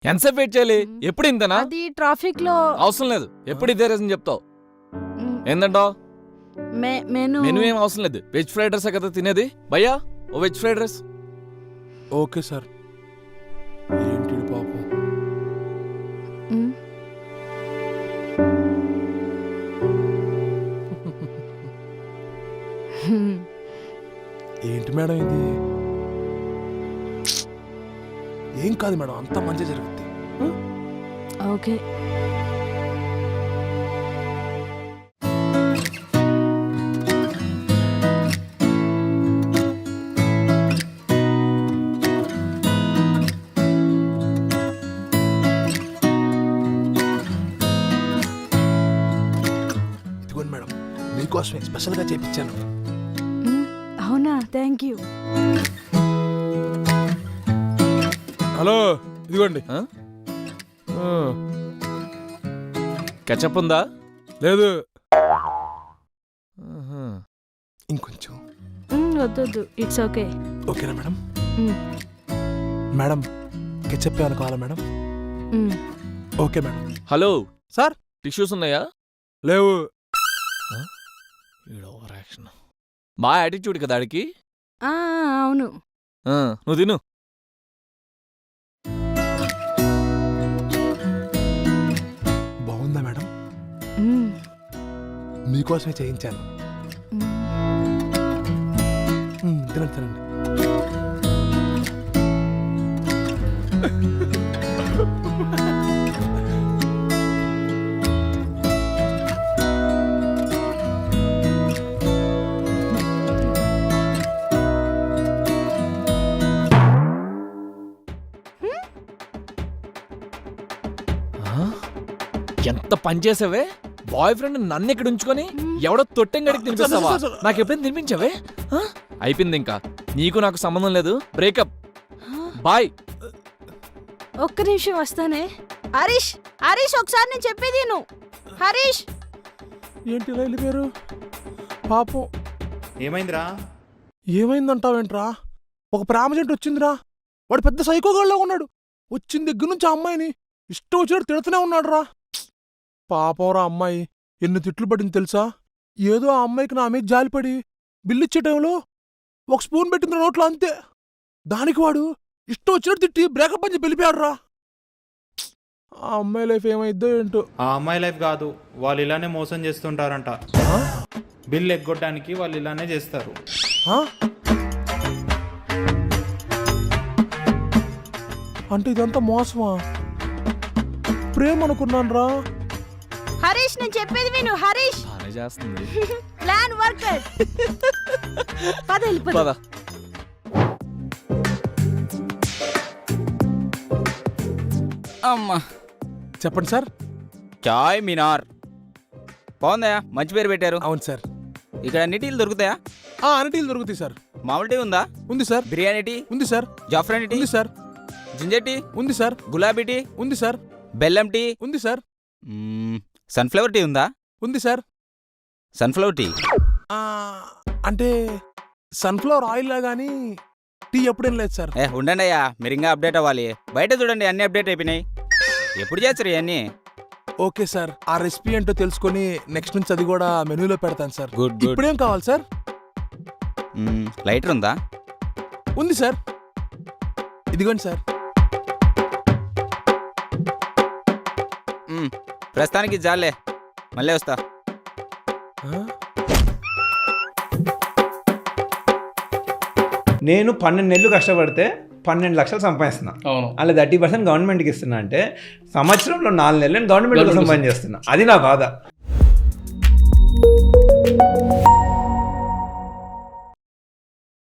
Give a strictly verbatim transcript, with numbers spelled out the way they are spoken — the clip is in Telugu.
ఎంతసేపు వెయిట్ చేయాలి? ఎప్పుడు ఇంతనా? అది ట్రాఫిక్ లో అవసరం లేదు, ఎప్పుడు ఇదే రీజన్ చెప్తావు. ఏందంటావు? మెను మెను ఏం అవసరం లేదు, వెజ్ ఫ్రైడ్ రైస్ కదా తినేది. భయ్యా ఓ veg fried rice. Okay sir. ఏంటి పాపం, ఏంటి మేడం ఇది? ఏం కాదు మేడం, అంతా మంచి జరుగుద్ది. ఓకే. ఇదిగోండి మేడం, మీకోసమే స్పెషల్గా చేపించాను. అవునా, థ్యాంక్ యూ. హలో, ఇదిగోండి. కెచప్ ఉందా? లేదు, ఇంకొంచెం. వద్దొద్దు, ఇట్స్ ఓకే. ఓకేనా మేడం? మేడం కెచప్ ఏమైనా కావాలా madam? Okay madam. Hello sir, tissues ఉన్నాయా? లేవు. మా యాటిట్యూడ్ కదా ఆడికి. అవును. నువ్వు తిను. బాగుందా మేడం? మీకోసమే చేయించాను. తినండి తినండి. ఎంత పని చేసావే? బాయ్ ఫ్రెండ్ నన్ను ఇక్కడ ఉంచుకొని ఎవడో తొట్టెంగడికి తినిపిస్తావా? నాకు ఎప్పుడైనా తినిపించావే? అయిపోయింది, ఇంకా నీకు నాకు సంబంధం లేదు. Breakup, bye. ఒక్క నిమిషం వస్తానే. హరీష్, హరీష్ ఒకసారి నేను చెప్పేది నువ్వు. హరీష్, ఏంటి ఇలా వెళ్ళిపోయారు? పాపం. ఏమైందిరా? ఏమైందంటావేంట్రా? ఒక ప్రేమ జంట వచ్చిందిరా. వాడు పెద్ద సైకోగాళ్ళలో ఉన్నాడు. వచ్చిన దగ్గర నుంచి ఆ అమ్మాయిని ఇష్టం వచ్చినట్టు తిడుతూనే ఉన్నాడు రా. పాపంరా అమ్మాయి ఎన్ని తిట్లు పడింది తెలుసా? ఏదో ఆ అమ్మాయికి నా మీద జాలిపడి బిల్లు ఇచ్చే టైంలో ఒక స్పూన్ పెట్టింది నోట్లో, అంతే. దానికి వాడు ఇష్టం వచ్చినట్టు తిట్టి బ్రేకప్ అని చెప్పి వెళ్ళిపోయాడు రా. ఆ అమ్మాయి లైఫ్ ఏమైద్దో ఏంటో. ఆ అమ్మాయి లైఫ్ కాదు, వాళ్ళు ఇలానే మోసం చేస్తుంటారంట. బిల్ ఎగ్గొట్టడానికి వాళ్ళు ఇలానే చేస్తారు. అంటే ఇదంతా మోసమా? ప్రేమ అనుకున్నాను రా. హరీష్ నేను చెప్పేది విను. హరీష్ బానే చేస్తుంది. Plan worker. పద వెళ్ళిపో. పద. అమ్మా, చెప్పండి సార్. చాయ్ మినార్ బాగుందా? మంచి పేరు పెట్టారు. అవును సార్. ఇక్కడ అన్ని టీలు దొరుకుతాయా? ఆ అన్ని దొరుకుతాయి సార్. మామూలు టీ ఉందా? ఉంది సార్. బిర్యానీ టీ ఉంది సార్. జాఫ్రాన్ టీ ఉంది సార్. జింజర్ టీ ఉంది సార్. గులాబీ టీ ఉంది సార్. బెల్లం టీ ఉంది సార్. సన్ఫ్లవర్ టీ ఉందా? ఉంది సార్. సన్ఫ్లవర్ టీ అంటే సన్ఫ్లవర్ ఆయిల్ లా గానీ టీ ఎప్పుడేం లేదు సార్. ఏ ఉండండి అయ్యా, మీరు ఇంకా అప్డేట్ అవ్వాలి. బయట చూడండి, అన్ని అప్డేట్ అయిపోయినాయి. ఎప్పుడు చేస్తారు ఇవన్నీ? ఓకే సార్, ఆ రెసిపీ ఏంటో తెలుసుకొని నెక్స్ట్ నుంచి అది కూడా మెనూలో పెడతాను సార్. Good good. ఇప్పుడేం కావాలి సార్? లైటర్ ఉందా? ఉంది సార్. ఇదిగోండి సార్. ప్రస్తుతానికి జాలే, మళ్ళీ వస్తా. నేను పన్నెండు నెలలు కష్టపడితే పన్నెండు లక్షలు సంపాదిస్తున్నా. అలా థర్టీ పర్సెంట్ గవర్నమెంట్కి ఇస్తున్నా అంటే సంవత్సరంలో నాలుగు నెలలు నేను గవర్నమెంట్ కోసం పని చేస్తున్నా. అది నా బాధ.